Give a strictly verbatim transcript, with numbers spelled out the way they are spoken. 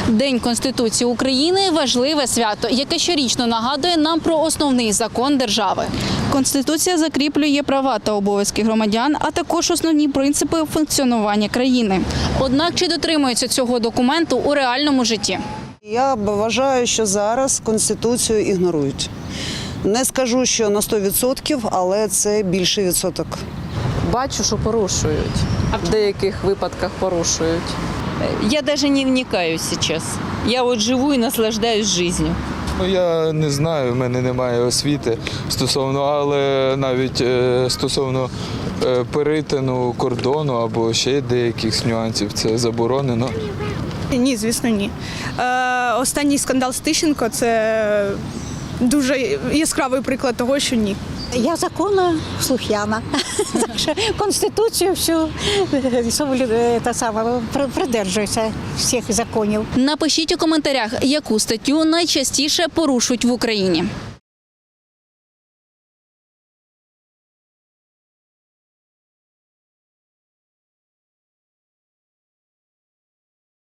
День Конституції України – важливе свято, яке щорічно нагадує нам про основний закон держави. Конституція закріплює права та обов'язки громадян, а також основні принципи функціонування країни. Однак чи дотримуються цього документу у реальному житті? Я вважаю, що зараз Конституцію ігнорують. Не скажу, що на сто відсотків, але це більший відсоток. Бачу, що порушують. В деяких випадках порушують. Я даже не вникаю сейчас. Я вот живу и наслаждаюсь жизнью. Ну, я не знаю, в мене немає освіти стосовно, але навіть е, стосовно е, перетину кордону або ще деяких нюансів це заборонено. Ні, звісно, ні. Е, останній скандал з Тищенко – це дуже яскравий приклад того, що ні. Я законослухняна. Так що Конституцію всю та саме придержуюся всіх законів. Напишіть у коментарях, яку статтю найчастіше порушують в Україні.